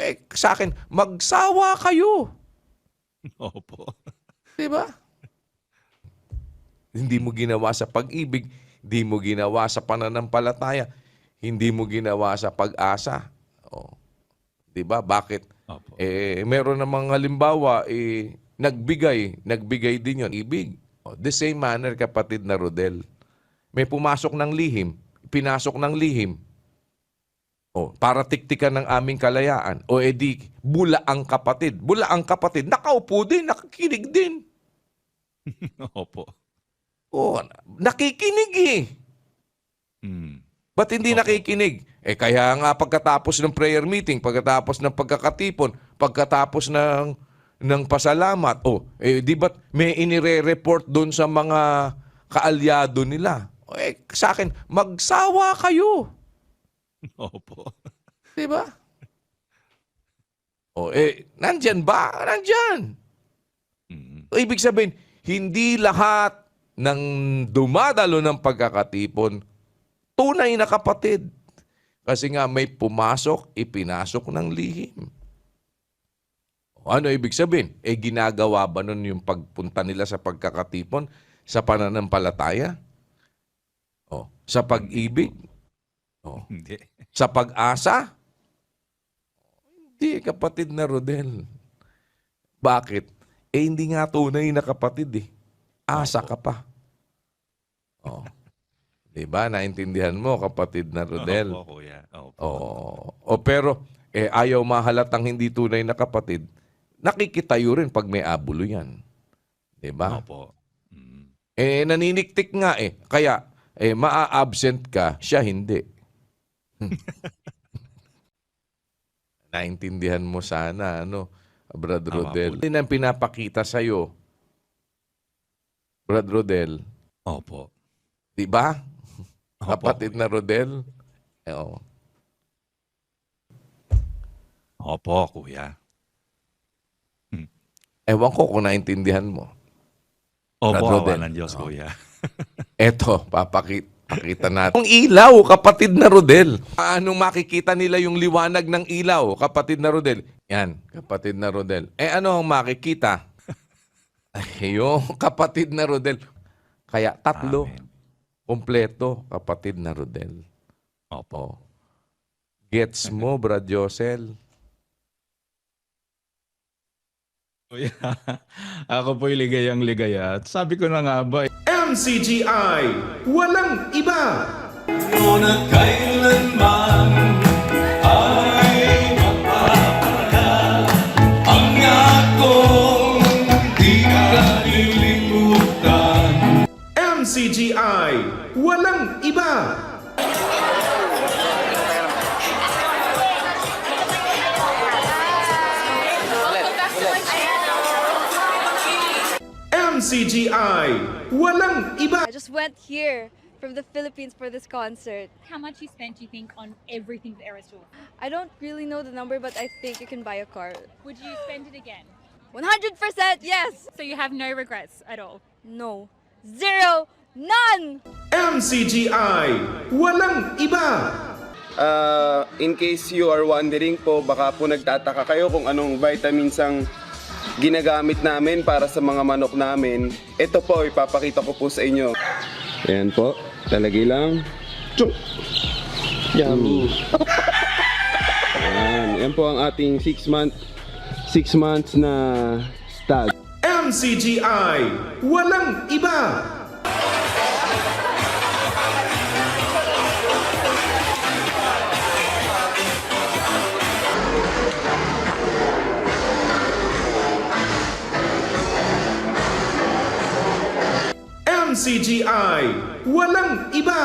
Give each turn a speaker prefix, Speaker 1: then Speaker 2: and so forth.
Speaker 1: sa akin, magsawa kayo.
Speaker 2: Opo.
Speaker 1: Diba? Hindi mo ginawa sa pag-ibig, hindi mo ginawa sa pananampalataya, hindi mo ginawa sa pag-asa. Oh. Diba? Bakit?
Speaker 2: Opo.
Speaker 1: Meron namang halimbawa, nagbigay din yon ibig. Oh, the same manner, kapatid na Rodel. May pumasok ng lihim, pinasok ng lihim. Oh, para tiktikan ng aming kalayaan. O edi, bula ang kapatid. Bula ang kapatid. Nakaupo din, nakikinig din.
Speaker 2: Opo.
Speaker 1: Oh, nakikinig eh.
Speaker 2: Mm.
Speaker 1: Ba't hindi
Speaker 2: Opo.
Speaker 1: nakikinig? Kaya nga pagkatapos ng prayer meeting, pagkatapos ng pagkakatipon, pagkatapos ng pasalamat, di ba't may inire-report doon sa mga kaalyado nila? Sa akin, magsawa kayo.
Speaker 2: Opo.
Speaker 1: Diba? Nandyan ba? Nandyan.
Speaker 2: Mm.
Speaker 1: Ibig sabihin, hindi lahat ng dumadalo ng pagkakatipon tunay na kapatid. Kasi nga may pumasok, ipinasok ng lihim. Ano ibig sabihin? Ginagawa ba nun yung pagpunta nila sa pagkakatipon sa pananampalataya? Sa pag-ibig?
Speaker 2: Hindi.
Speaker 1: Sa pag-asa? Hindi, kapatid na Rodel. Bakit? Hindi nga tunay na kapatid eh. Asa ka pa. Diba? Naintindihan mo, kapatid na Rodel?
Speaker 2: Opo, kuya. Opo.
Speaker 1: Pero ayaw mahalatang hindi tunay na kapatid, nakikitayo rin pag may abulo yan. Diba?
Speaker 2: Opo. Mm.
Speaker 1: Naniniktik nga eh. Kaya, maa-absent ka, siya hindi. Naintindihan mo sana, Brad Rodel. Hindi nang pinapakita sa'yo, Brad Rodel.
Speaker 2: Opo.
Speaker 1: Diba?
Speaker 2: Opo.
Speaker 1: Kapatid na Rodel.
Speaker 2: Opo, kuya.
Speaker 1: Ewan ko kung naintindihan mo.
Speaker 2: Opo,
Speaker 1: Brad Rodel.
Speaker 2: awa ng Diyos, kuya.
Speaker 1: Eto, pakita natin. Ang ilaw, kapatid na Rodel. Anong makikita nila yung liwanag ng ilaw, kapatid na Rodel? Yan, kapatid na Rodel. Ano ang makikita? Yung kapatid na Rodel. Kaya tatlo.
Speaker 2: Amen.
Speaker 1: Kompleto, kapatid na Rodel.
Speaker 2: Opo.
Speaker 1: Gets mo, Brad Josel?
Speaker 2: Kuya, ako po'y ligayang-ligaya. At sabi ko na nga ba,
Speaker 3: MCGI, walang iba.
Speaker 4: Ngunit kailanman ay mapapala ang akong di kalilimutan.
Speaker 3: MCGI, walang iba. MCGI, walang iba.
Speaker 5: I just went here from the Philippines for this concert.
Speaker 6: How much you spent, do you think, on everything the Eras Tour?
Speaker 5: I don't really know the number, but I think you can buy a car.
Speaker 6: Would you spend it again?
Speaker 5: 100% yes!
Speaker 6: So you have no regrets at all?
Speaker 5: No. Zero. None!
Speaker 3: MCGI, walang iba.
Speaker 7: In case you are wondering po, baka po nagtataka kayo kung anong vitamins ang ginagamit namin para sa mga manok namin. Ito po, ipapakita ko po sa inyo. Ayan po, talagay lang. Tsuk! Yummy! Ayan po ang ating 6 months na stag.
Speaker 3: MCGI, walang iba. MCGI, walang iba.